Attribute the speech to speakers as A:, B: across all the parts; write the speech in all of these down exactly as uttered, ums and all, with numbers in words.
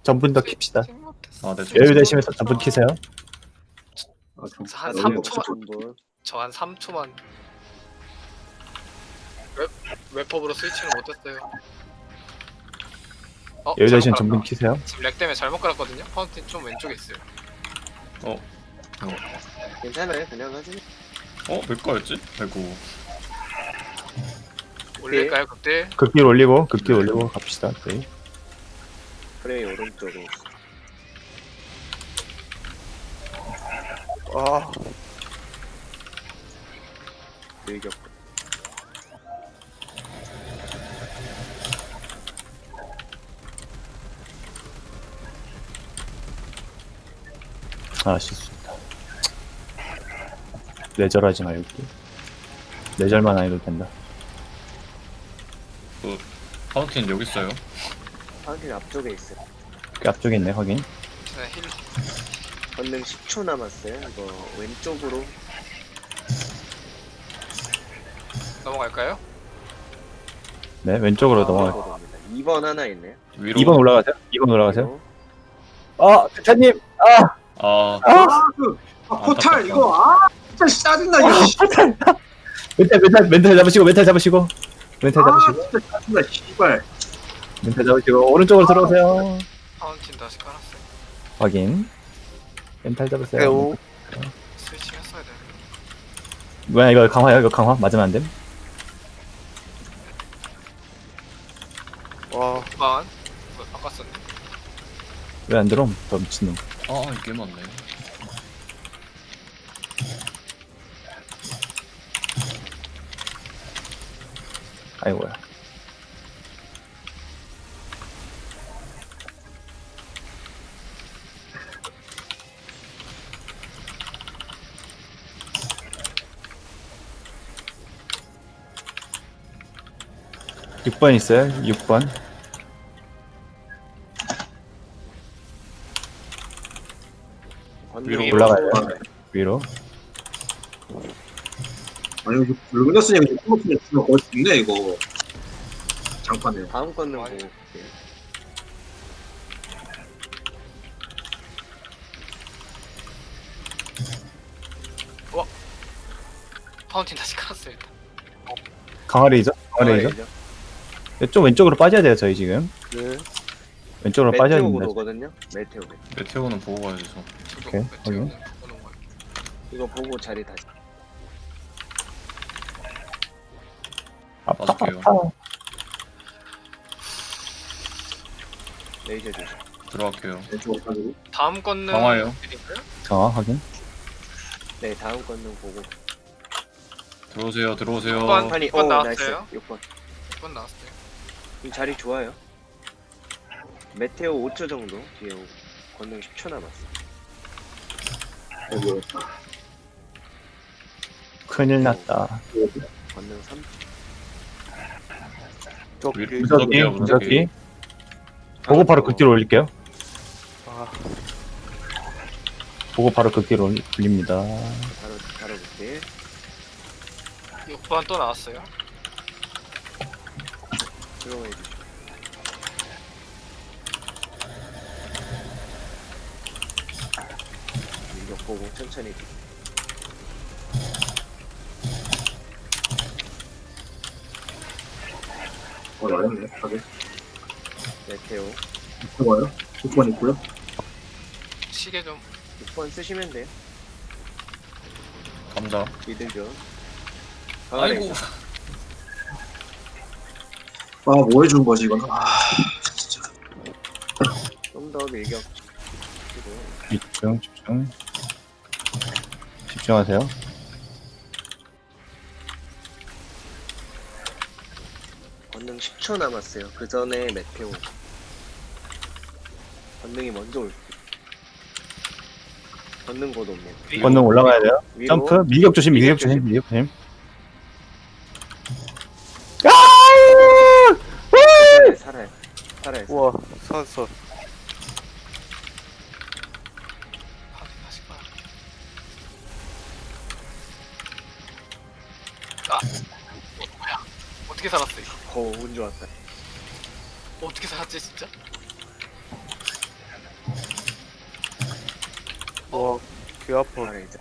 A: 전분 더 킵시다.
B: 아, 네.
A: 여유 되시면서 전분 키세요.
C: 아, 좀
D: 한
C: 너무
D: 삼
C: 없어.
D: 초만 저 한 삼 초만 웹, 웹법으로 스위치를 못했어요. 어?
A: 여유 되시면
D: 잘못
A: 전분
D: 깔았다.
A: 키세요.
D: 지금 렉 때문에 잘못 깔았거든요? 파운틴 좀 왼쪽에 있어요.
B: 어,
E: 괜찮아요. 그냥 하지.
B: 어, 몇 거였지? 아이고.
D: 올릴까요 그때?
A: 극딜 올리고 극딜 올리고 갑시다. 네.
E: 프레이 오른쪽에.
F: 아,
E: 밀격.
A: 아 실수했다. 내절하지 말고 내절만 안 해도 된다.
B: 파운틴 여기 있어요.
E: 파운틴 앞쪽에 있어요.
A: 그 앞쪽에 있네 확인.
D: 저는 힐
E: 건능 십 초 남았어요. 이거 왼쪽으로
D: 넘어갈까요?
A: 네 왼쪽으로
E: 아,
A: 넘어가.
E: 넘어갑니다. 이 번 하나 있네요.
B: 위로.
A: 이 번 올라가세요. 이 번 올라가세요.
E: 그리고
A: 아 대차님. 아
B: 아,
C: 아, 그 아, 포탈 이거 아 진짜 짜증나 이거.
A: 멘탈 멘탈 멘탈 잡으시고 멘탈 잡으시고 멘탈
C: 아
A: 잡으시고
C: 진짜 짜증나 씨발.
A: 멘탈 잡으시고 오른쪽으로 들어오세요.
D: 파운틴 다시 깔았어요.
A: 확인. 멘탈 잡으세요.
F: 배우.
D: 스위칭 했어야 되는데.
A: 뭐야 이거 강화야 이거 강화 맞으면 안 됨.
F: 와,
D: 만 이거 바꿨었네.
A: 왜 안 들어옴? 저 미친놈.
B: 아, 이게 맞네.
A: 아이고야. 육 번 있어요. 육 번.
E: 건능
B: 위로
A: 올라가요. 위로.
C: 아니 이거 붉은였으니 이거 꿀먹으면 주면 거의 죽네 이거. 장판에.
E: 다음 건능
D: 아니.
E: 보고 볼게요.
D: 파운틴 다시 깔았어요 일단.
A: 강화 레이저? 강화 레이저? 좀 왼쪽으로 빠져야 돼요 저희 지금.
F: 네.
A: 왼쪽으로 빠져야
E: 메테오고
A: 됩니다.
E: 오거든요. 메테오.
B: 메테오는 보고 가야죠.
D: 저도
A: 오케이,
D: 메테오는
A: 확인.
D: 보는 거예요.
E: 이거 보고 자리 다시.
A: 아파
B: 맞을게요.
A: 아파.
E: 레이저 조심.
B: 들어갈게요.
C: 왼쪽으로 가지고.
D: 다음 건는
B: 강화예요.
D: 드릴까요?
A: 강화 확인.
E: 네, 다음 건능 보고.
B: 들어오세요, 들어오세요.
D: 육 번.
E: 아니,
D: 육 번
E: 오,
D: 나왔어요?
E: 나이스. 육 번.
D: 육 번 나왔어요.
E: 이 자리 좋아요. 메테오 오 초 정도 뒤에 오고. 건능 십 초 남았어.
C: 아이고.
A: 큰일 났다.
E: 건능 삼 초.
F: 쪽
B: 위로
F: 뒤.
A: 무적기
B: 무적기요,
A: 무적기. 보고 바로 극딜 올릴게요.
F: 아,
A: 보고 바로 극딜 올- 올립니다.
E: 바로 바로 볼게.
D: 육 번 또 나왔어요.
E: 들어가 주시고. 이거 보고 천천히.
C: 어 어렵네. 가게.
E: 메테오
C: 좋아요. 육 번 있고요.
D: 시계 좀
E: 육 번 쓰시면 돼요.
B: 감자.
E: 미들죠.
B: 아이고.
C: 아 뭐 해준 거지 이건. 아 진짜.
E: 좀더 밀격. 그리고
A: 집중 집중. 집중하세요.
E: 건능 십 초 남았어요. 그 전에 메테오. 건능이 먼저 올. 건능 곧 옵니다.
D: 위로.
A: 권능 올라가야 돼요.
E: 위로.
A: 점프. 밀격 조심. 밀격
E: 밀격
A: 조심.
E: 조심.
A: 밀격 조심.
E: 살아요, 살아요. 살아요.
F: 우와, 살았어.
D: 파운틴 다시 깔아. 아! 어, 뭐야? 어떻게 살았어 이거?
E: 오, 운 좋았다.
D: 어떻게 살았지 진짜?
F: 와, 귀 아파.
E: 강화레이저.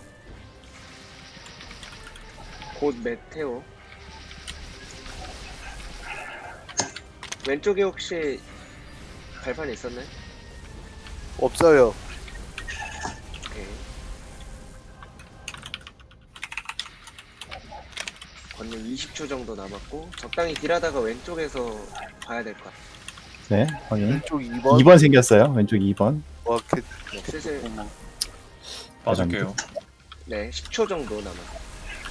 E: 곧 메테오. 왼쪽에 혹시 발판 있었나요?
F: 없어요.
E: 오케이. 걷는 이십 초 정도 남았고 적당히 딜하다가 왼쪽에서 봐야 될 것 같아요.
A: 네, 확인.
F: 왼쪽 이 번.
A: 이 번 생겼어요. 왼쪽 이 번.
F: 와, 개,
E: 네, 슬슬
B: 빠질게요.
E: 네 십 초 정도 남았어요.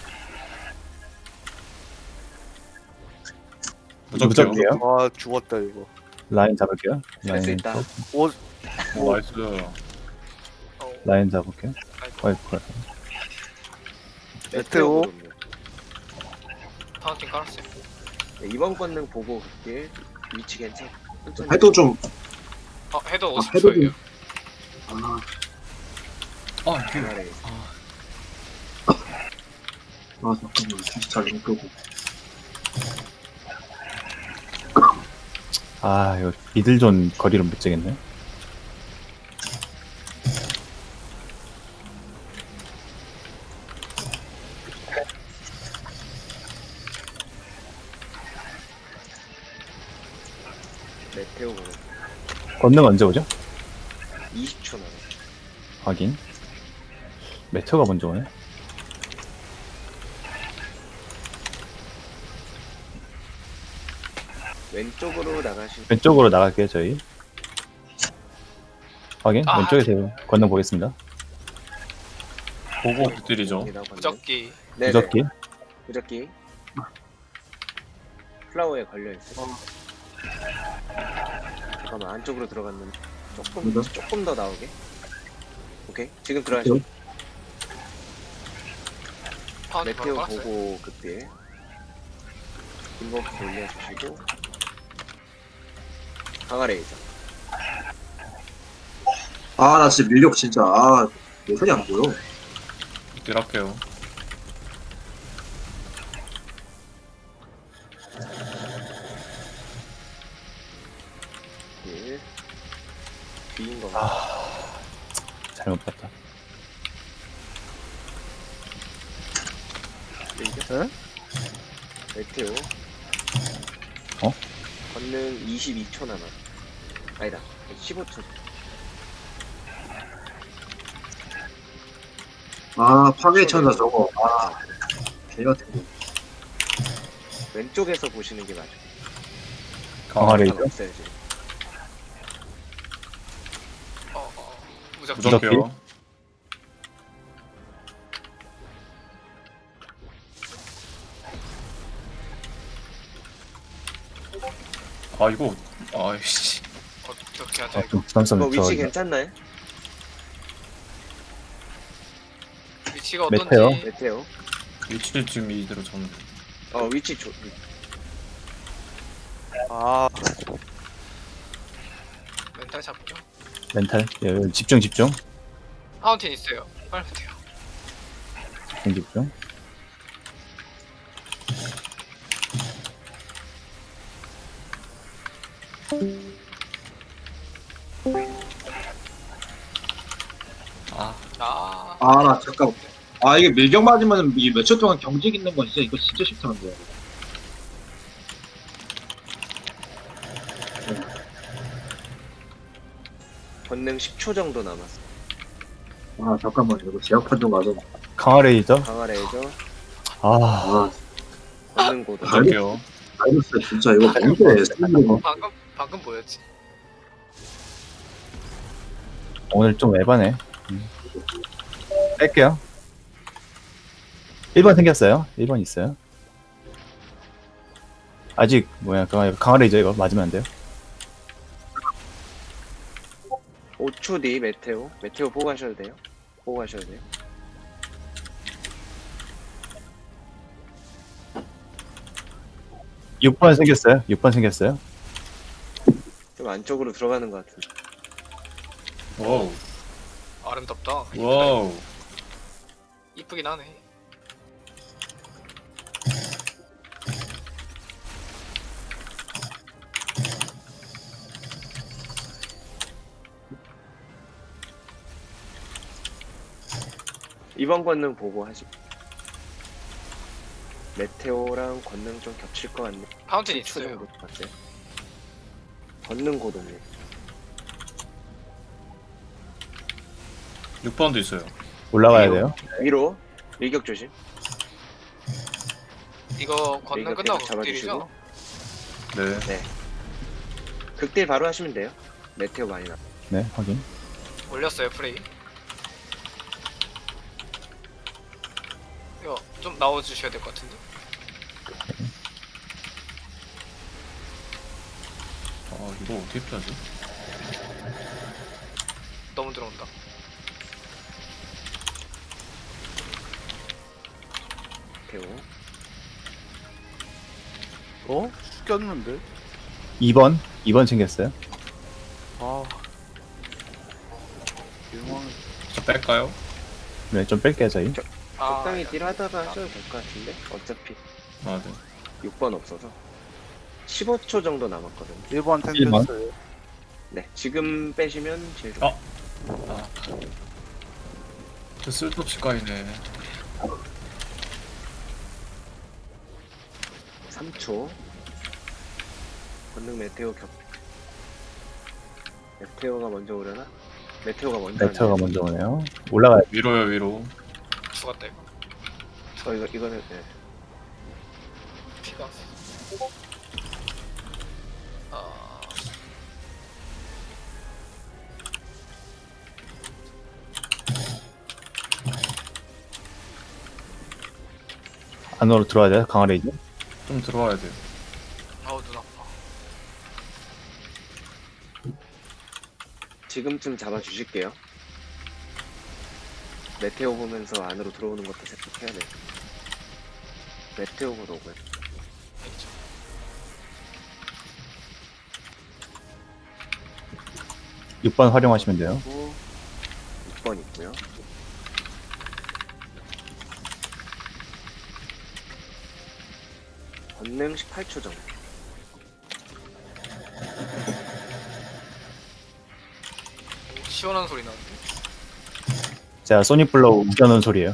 B: 무적게요.
A: 무적게요.
F: 와, 죽었다, 이거.
A: 라인 잡을게요.
E: 할 수
A: 라인,
E: 있다.
F: 오,
B: 오, 나이스.
D: 어,
A: 라인 잡을게요.
D: 아이고.
A: 아이고,
F: 메테오.
E: 메테오.
D: 파운틴 깔았어요.
E: 네, 이번 권능 보고 그때 위치 괜찮. 천천히.
C: 해도 좀
D: 어, 헤더
C: 아,
D: 오십
C: 해도
D: 초예요.
C: 아,
B: 아, 이게
E: 강화레이저.
C: 아 잠깐만 진짜 잘못 끄고
A: 아, 이거 미들존 거리를 못 재겠네.
E: 메테오 보는
A: 권능 언제 오죠?
E: 이십 초 남았어.
A: 확인. 메테오가 먼저 오네.
E: 왼쪽으로 나가시.
A: 왼쪽으로 나갈게요, 저희. 확인.
D: 아,
A: 왼쪽에서 권능 보겠습니다.
B: 보고 극딜이죠.
D: 무적기.
E: 네,
A: 무적기.
E: 무적기. 플라워에 걸려 있어. 잠깐만 안쪽으로 들어갔는데 조금
C: 무적?
E: 조금 더 나오게. 오케이 지금 들어가시.
D: 파운틴 바로
E: 메테오
D: 깔았어요.
E: 보고 그때 인버프 올려주시고 강화레이저.
C: 아 나 진짜 밀력 진짜 아 모션이 안 보여.
B: 극딜 할게요.
E: 일 뒤인 거.
A: 아, 잘못 봤다.
E: 레이저.
F: 에?
E: 메테오.
A: 어?
E: 권능 이십이 초 남았. 아니다. 십오 초.
C: 아 파괴천사 저거 아 개같은 거.
E: 왼쪽에서 보시는 게 맞아요.
A: 강화레이저.
E: 없어요 지금.
D: 어, 어, 무적기.
B: 무적게요. 아, 이거, 아이씨.
D: 어떻게 하죠
A: 아,
D: 이거?
A: 좀 부담스럽네.
E: 이거
A: 저
E: 위치 괜찮나요?
D: 위치가 어떤지.
A: 메테오.
E: 메테오.
B: 위치 지금 이대로 저는.
E: 어 위치 좋.
F: 아,
D: 멘탈 잡죠.
A: 멘탈. 예, 집중, 집중.
D: 파운틴 있어요. 빨면 돼요.
A: 집중, 집중.
B: 아,
D: 아,
C: 아 나 잠깐 아 이게 밀격 맞으면 이 몇 초 동안 경직 있는 건 진짜 이거 진짜 싫다는데.
E: 권능 십 초 정도 남았어.
C: 아 잠깐만 이거 제약 판정 가서
A: 강화레이저.
E: 강화레이저.
A: 아,
C: 아
E: 권능 고도.
C: 아,
B: 무적게요.
C: 알겠어 진짜 이거 뭔데 스킬이
D: 방금 방금 뭐였지?
A: 오늘 좀 에바네. 음. 뺄게요. 일 번 생겼어요. 일 번 있어요. 아직 뭐야 강화, 강화레이저 이거 맞으면 안 돼요.
E: 오 초 뒤 메테오. 메테오 보고 가셔도 돼요. 보고 가셔도 돼요.
A: 육 번 생겼어요. 육 번 생겼어요.
E: 좀 안쪽으로 들어가는 것 같은데.
B: 와우.
D: 아름답다.
B: 와우.
D: 이쁘긴 하네.
E: 이번 권능 보고 하시. 메테오랑 권능 좀 겹칠 것 같네.
D: 파운틴
E: 칠 초
D: 있어요.
E: 정도 맞아요. 권능 고동님.
B: 육 번도 있어요.
A: 올라가야
E: 위로.
A: 돼요.
E: 위로 일격 조심.
D: 이거 건능
E: 일격
D: 끝나고
E: 계속 잡아주시고.
D: 극딜이죠?
B: 네.
E: 극딜 바로 하시면 돼요. 메테오 많이 나.
A: 네, 확인.
D: 올렸어요 프레이. 이거 좀 나와주셔야 될 것 같은데.
B: 아 이거 어떻게 피하지?
D: 너무 들어온다.
E: 메테오.
F: 어? 죽였는데?
A: 이 번. 이 번 챙겼어요.
F: 아. 일망.
B: 저 뺄까요?
A: 네, 좀 뺄게요, 저희.
D: 아,
E: 적당히 딜 하다가 하셔도 될 것 같은데 어차피
B: 아 네.
E: 육 번 없어서 십오 초 정도 남았거든요.
F: 일 번
A: 일 번.
F: 텐데스요.
E: 네, 지금 빼시면 제일 좋아요.
B: 어. 아. 저 쓸데없이 까이네.
E: 삼 초. 권능 메테오 겹. 메테오가 먼저 오려나? 메테오가 먼저.
A: 메테오가
E: 왔네요.
A: 먼저 오네요. 올라가야
B: 위로요 위로.
D: 죽었다 이거.
E: 어 이거 이거는 네.
D: 피가. 아,
A: 안으로 들어와야 돼요, 강화 레이저.
B: 좀 들어와야 돼요.
D: 아우 눈 아파.
E: 지금쯤 잡아 주실게요. 메테오 보면서 안으로 들어오는 것도 생각해야 돼. 메테오가 오고요.
D: 알겠죠?
A: 육 번 활용하시면 돼요.
E: 그리고 육 번 있고요. 권능 십팔 초 정도.
D: 시원한 소리 나는데.
A: 제가 소닉블로우 우겨놓은 소리예요.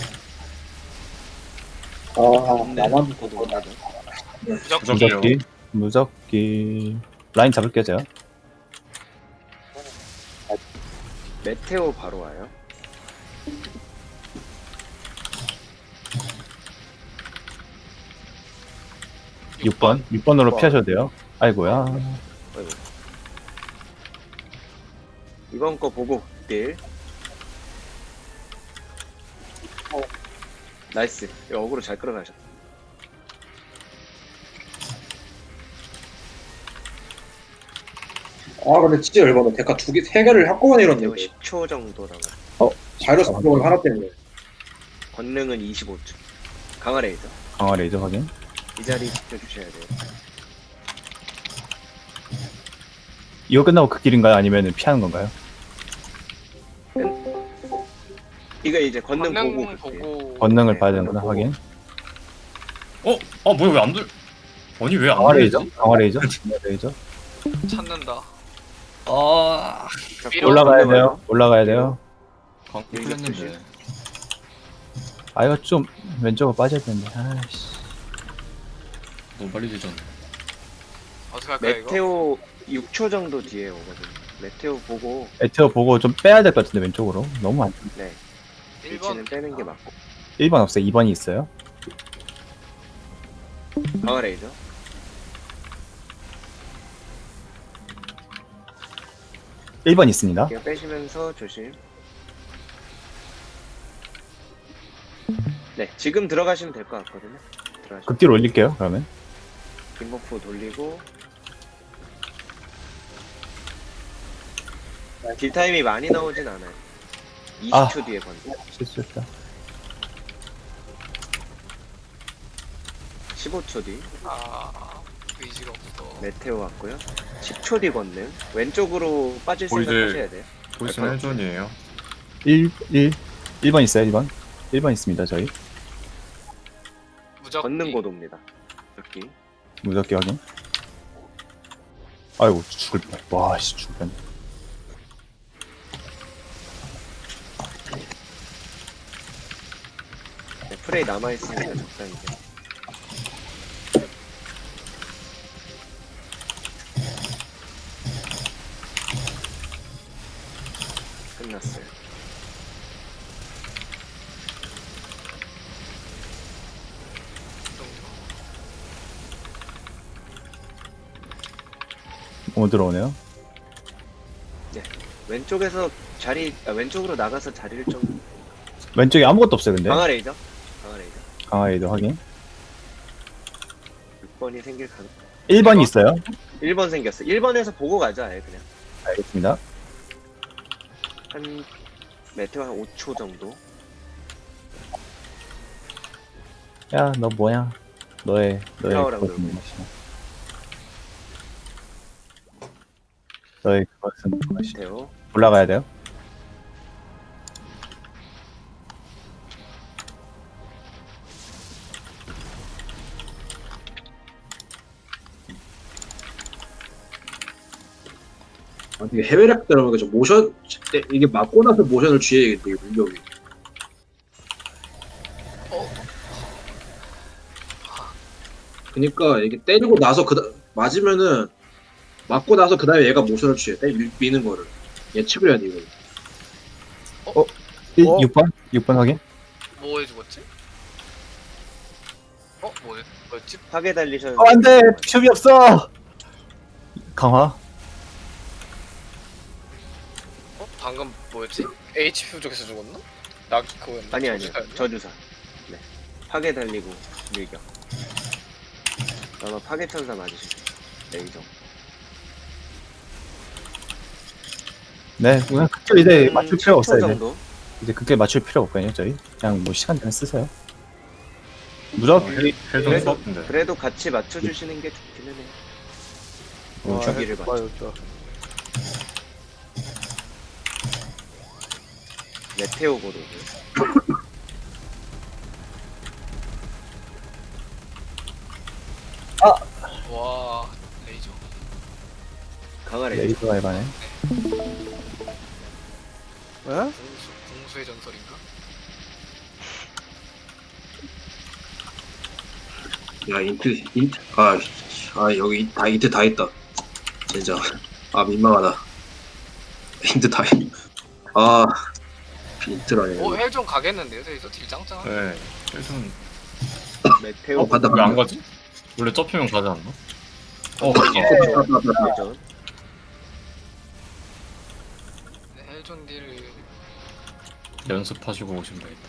E: 아, 나만 보도 옵니다.
D: 무조건
B: 무적기요.
A: 무적기. 무적기. 라인 잡을게요, 제가.
E: 메테오 바로 와요.
A: 육 번. 육 번으로
E: 육 번.
A: 피하셔도 돼요. 아이고야.
E: 아이고. 이번 거 보고 딜. 나이스. 이거 어그로 잘 끌어가셨다.
C: 아 근데 진짜 열받아. 데카 두 개, 세 개를 한꺼번에
E: 이거
C: 잃었는데
E: 십 초 정도 남아.
C: 바이러스 부분 하나 때문에.
E: 권능은 이십오 초. 강화 레이저.
A: 강화 레이저 확인.
E: 이 자리 지켜주셔야 돼요.
A: 이거 끝나고 그 길인가요? 아니면 피하는 건가요?
E: 이거 이제 권능,
D: 권능
E: 보고
D: 보고,
E: 볼게요.
A: 권능을
E: 네,
A: 봐야
E: 권능
A: 되는구나,
E: 보고.
A: 확인.
B: 어? 아 뭐야 왜 안 들? 아니 왜 안
A: 강화
B: 들리지?
A: 레이저? 강화 레이저? 강화 레이저?
D: 찾는다.
B: 아.
E: 자,
D: 위로
A: 올라가야
E: 권능
A: 돼요.
E: 와요.
A: 올라가야 돼요.
B: 광고
E: 여기
B: 풀렸는데.
E: 조심.
A: 아, 이거 좀 왼쪽으로 빠져야 되는데. 아이씨.
B: 너무 빨리 되졌네.
D: 어떻게 할까요 이거?
E: 메테오 육 초 정도 뒤에 오거든요. 메테오 보고
A: 메테오 보고 좀 빼야 될 것 같은데, 왼쪽으로. 너무 안.
E: 네
D: 일 번
E: 위치는 빼는 게 맞고.
A: 일 번 없어요. 이 번이 있어요.
E: 강화 레이저.
A: 일 번 있습니다.
E: 이거 빼시면서 조심. 네 지금 들어가시면 될 것 같거든요. 들어가시면
A: 극딜 올릴게요, 그러면.
E: 빙고프 돌리고. 딜 타임이 많이 나오진 않아요. 이십 초
A: 아.
E: 뒤에 건드.
A: 실수했다.
E: 십오 초 뒤.
D: 아, 의지가 없어.
E: 메테오 왔고요. 십 초 뒤 건능. 왼쪽으로 빠질
B: 보이들-
E: 생각 하셔야 돼요.
B: 보이스는 헬존이에요.
A: 일, 일. 일 번 있어요, 일 번. 일 번 있습니다, 저희.
D: 무적.
E: 건능 고도입니다. 여기.
A: 무적기 확인. 아이고, 죽을 뻔. 와, 씨, 죽을 뻔.
E: 프레이 남아있으니까 적당히 돼. 끝났어요.
A: 뭐 들어오네요.
E: 왼쪽에서 자리 아, 왼쪽으로 나가서 자리를 좀
A: 왼쪽에 아무것도 없어요 근데.
E: 강화 레이저 강화 레이저
A: 강화에도 확인.
E: 육 번이 생길 가능
A: 일 번이 있어요.
E: 일 번 생겼어. 일 번에서 보고 가자 아예 그냥
A: 알겠습니다.
E: 한 메테오 한 오 초 정도.
A: 야 너 뭐야? 너의 너의
E: 타워랑
A: 그것은
E: 놀고.
A: 무엇이야? 너의 그것은 무엇이야?
E: 메테오
A: 올라가야 돼요.
C: 아, 이게 해외락 들어보니까 좀 모션 이게 맞고 나서 모션을 취해야겠다 이게 능력이. 그니까 이게 때리고 나서 그 맞으면은 맞고 나서 그 다음에 얘가 모션을 취해. 때 미, 미는 거를 예측을 해야 돼 이거.
A: 일,
F: 어?
A: 육 번? 육 번 확인.
D: 뭐 해주겠지? 어? 뭐, 뭐였지?
E: 파괴 달리션
A: 어, 안돼 비숍이 없어. 강화.
D: 어? 방금 뭐였지? 에이치피 부족해서 죽었나? 나 그거였나?
E: 아니 아니
D: 저주사였나?
E: 저주사. 네 파괴 달리고 밀격. 아마 파괴 천사 맞으실 거예요. 레이저.
A: 네, 그냥 그게 이제 맞출 필요
E: 칠 초
A: 없어요. 이제.
E: 정도.
A: 이제 그게 맞출 필요 없거든요, 저희. 그냥 뭐 시간 되면 쓰세요. 무조건
B: 헬전
E: 그래도-
B: 수업인데.
E: 그래도 같이 맞춰주시는 게 좋기는 해요.
A: 뭐
F: 아,
E: 주기를
F: 헬-
E: 맞춰.
F: 맞았다.
E: 메테오 고르고.
D: 와 레이저
E: 강화 레이저.
A: 레이더가 해봐네.
F: 에?
D: 공수, 공수의 전설인가?
C: 야 인트 인트 아, 아 여기 다 인트 다 있다. 진짜 아 민망하다. 인트 다 있. 아 인트라네.
D: 오 헬 좀 가겠는데요? 저기서 딜짱짱
B: 네. 헬전
E: 메테오
C: 어, 간다,
B: 왜 안 가지? 원래 접히면 가지 않나? 어, 갔다.
E: 레전.
D: 헬존 딜
B: 연습하시고 오시면 되겠다.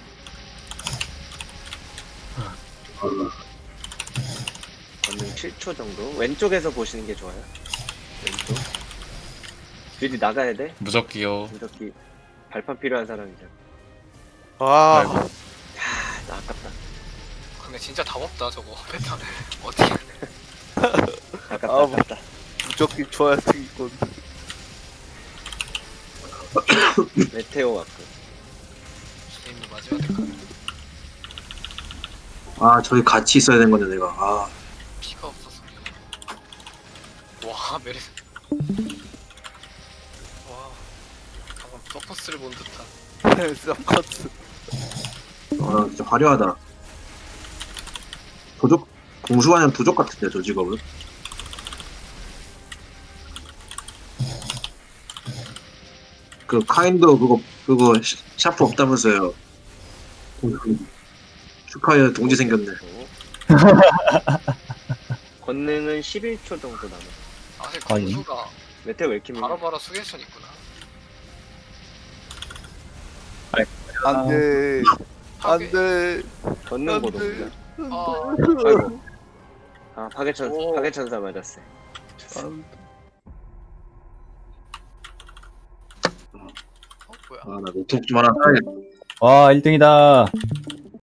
E: 걷는 칠 초 정도. 왼쪽에서 보시는 게 좋아요. 왼쪽. 미리 나가야 돼.
B: 무적기요.
E: 이렇게 발판 필요한 사람이잖아.
F: 아,
B: 아이고.
E: 아, 나 아깝다.
D: 근데 진짜 답 없다 저거 패턴 어떻게
E: 아깝다.
F: 아, 뭐.
E: 아깝다.
F: 무적기 좋아야 되겠군.
E: 메테오 왔고.
D: 게임도 마지막 때까
C: 아 저기 같이 있어야 되는 건데 내가. 아
D: 피가 없어서 와 메르스 와 방금 서커스를 본 듯한
F: 쌍커트.
C: 아, 진짜 화려하다. 도적 공수관이랑 도적 같은데 저 직업은. 그 카인드 그거 그거 시- 샤프 없다면서요. 축하해 동지 생겼네.
E: 권능은 십일 초 정도 남아.
D: 아 사실
A: 아니.
D: 공수가
E: 메테오 왜 이렇게 밀려?
D: 바로바로 수계션 있구나
F: 안 돼. 안
D: 파괴.
F: 돼.
E: 걷는
F: 안
E: 고도입니다.
D: 아,
E: 아이고. 아 파괴천
D: 오.
E: 파괴천사 맞았어요.
F: 안
D: 어 뭐야
C: 아나 노트북 좀 하나 사야겠다.
A: 와, 일 등이다.